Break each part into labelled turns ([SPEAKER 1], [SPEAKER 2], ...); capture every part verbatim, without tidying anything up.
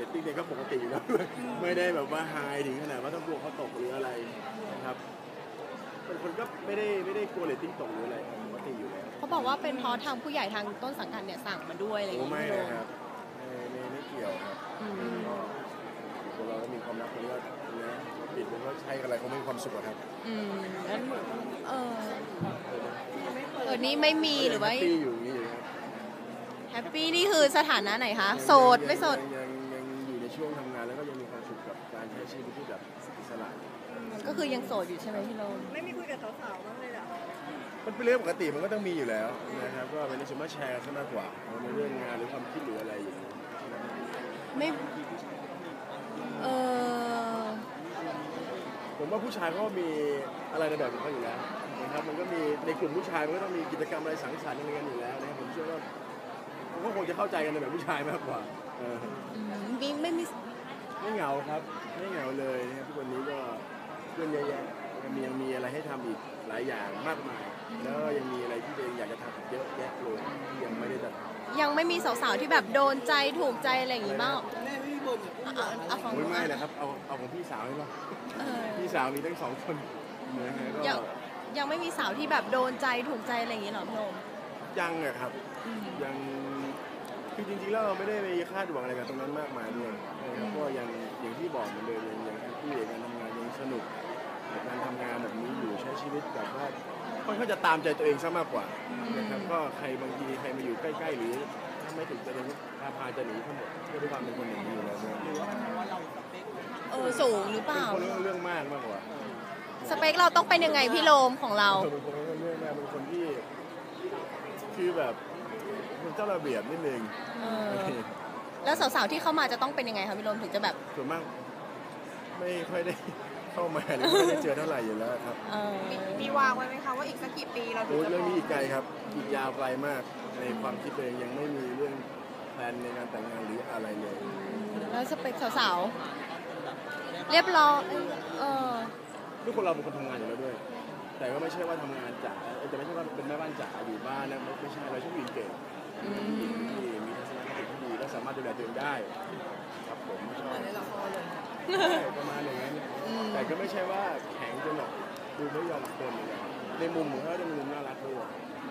[SPEAKER 1] ตติ้งเนี่ยก็ปกติอยู่แล้วด้วยไม่ได้แบบว่าไฮถึงขนาดว่าต้องกลัวเขาตกหรืออะไรนะครับเป็นคนก็ไม่ได้ไม่ได้กลัวเรตติ้งตกหรืออะไรปกติอยู่แล้ว
[SPEAKER 2] เขาบอกว่าเป็นเพราะทางผู้ใหญ่ทางต้นสังกัดเนี่ยสั่งมาด้วยอะไรอย่าง
[SPEAKER 1] โอ้
[SPEAKER 2] เงี้ย
[SPEAKER 1] ไม่นะครับไม่ไม่ไม่เกี่ยวครับก็คนเราก็มีความรักคนก็นะปิดมันก็ใช้อะไรเขาไม่มีความสุขครับ
[SPEAKER 2] อืมแล้วเออเออนี่ไม่มีหรือว่า
[SPEAKER 1] แฮปปี้อยู่นี่ครับ
[SPEAKER 2] แฮปปี้นี่คือสถานะไหนคะโสดไม่โสด
[SPEAKER 1] ยังยังอยู่ในช่วงทำงานแล้วก็ยังมีความสุขกับการใช้ชีวิตที่แบบอิสระ
[SPEAKER 2] ก็คือยังโสดอยู่ใช่ไหมพี่โรม
[SPEAKER 3] ไม่มีคุยกับสาวๆบ้างเลยเหรอ
[SPEAKER 1] มันเป็นเรื่องปกติมันก็ต้องมีอยู่แล้วนะครับก็เป็นในส่วนมากแชร์กันมากกว่าในเรื่องงานหรือความคิดหรืออะไรอย่างนี้
[SPEAKER 2] ไม่เออ
[SPEAKER 1] ผมว่าผู้ชายเขามีอะไรในแบบของเขาอยู่แล้วนะครับมันก็มีในกลุ่มผู้ชายมันก็ต้องมีกิจกรรมอะไรสังสรรค์อะไรกันอยู่แล้วนะครับผมเชื่อว่าผมก็คงจะเข้าใจกันในแบบผู้ชายมากกว่า
[SPEAKER 2] มีไม่มี
[SPEAKER 1] ไม่เหงาครับไม่เหงาเลยนะครับทุกวันนี้ก็เพื่อนเยอะแยะยังมียังมีอะไรให้ทำอีกหลายอย่างมากมายแล้วยังมีอะไรที่ตัวเองอยากจะทำเยอะแยะเลยที่ยังไม่ได้ทำ
[SPEAKER 2] ยังไม่มีสาวๆที่แบบโดนใจถูกใจอะไรอย่างงี้บ้าง
[SPEAKER 1] เอาของไม่นะครับเอาเอาของพี่สาวใช่ไหมพี่สาวมีทั้งสองคน
[SPEAKER 2] ยังยังไม่มีสาวที่แบบโดนใจถูกใจอะไรอย่างงี้หรอพี่โรม
[SPEAKER 1] ยังอะครับยังคือจริงๆแล้วเราไม่ได้ไปคาดหวังอะไรกับตรงนั้นมากมายด้วยก็ยังอย่างที่บอกเหมือนเดิมยังแฮปปี้กับการทำงานยังสนุกกับการทำงานแบบนี้อยู่ใช้ชีวิตแบบว่าค่อนข้างจะตามใจตัวเองซะมากกว่านะครับก็ใครบางทีใครมาอยู่ใกล้ๆหรือถ้าไม่ถึงจะพาพาจะหนีทั้งหมดก็ด้วยความเป็นคนอย่างนี้อยู่แล้ว
[SPEAKER 2] เออสูงหรือเปล่า
[SPEAKER 1] เรื่องเรื่องมากมากกว่า
[SPEAKER 2] สเปคเราต้องเป็นยังไงพี่โรมของเรา
[SPEAKER 1] เป็นคนเรื่องมากเป็นคนที่คือแบบมันเจ้าระเบียบนิดนึง
[SPEAKER 2] แล้วสาวๆที่เข้ามาจะต้องเป็นยังไงคะพี่โรมถึงจะแบบ
[SPEAKER 1] ส่วนมากไม่ค่อยได้เข้ามาหรือไม่ได้เจอเท่าไหร่อยู่แล้วครับ
[SPEAKER 3] มีวางไว้ไหมคะว่าอีกสักกี่ปีเราถึงจะ
[SPEAKER 1] เรื่องนี้อีกไกลครับอีกยาวไกลมากในความคิดตัวเองยังไม่มีเรื่องแผนในการแต่งงานหรืออะไรเลย
[SPEAKER 2] แล้วสเปคสาวๆเรียบร้อยเออ
[SPEAKER 1] ทุกคนเราเป็นคนทำงานอยู่แล้วด้วยแต่ก็ไม่ใช่ว่าทำงานจ๋าจะไม่ใช่ว่าเป็นแม่บ้านจ๋าอยู่บ้านนะไม่ใช่เราชอบผู้หญิงเก่งผู้หญิงที่มีทัศนคติที่ดีและสามารถดูแลตัวเองได้ครับผมไม่ชอบในละครเลยประมาณอย่างนั้นแต่ก็ไม่ใช่ว่าแข็งจนแบบดูไม่ยอมคนเลยในมุมของเขาจะมีมุมน่ารักด้วย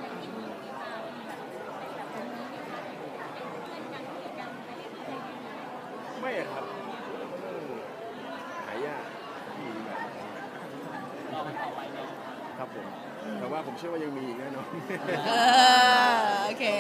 [SPEAKER 1] ไม่ครับหายากที่แบบครับผมแต่ว่าผมเชื่อว่ายังมีอีกแน่นอน
[SPEAKER 2] โอเค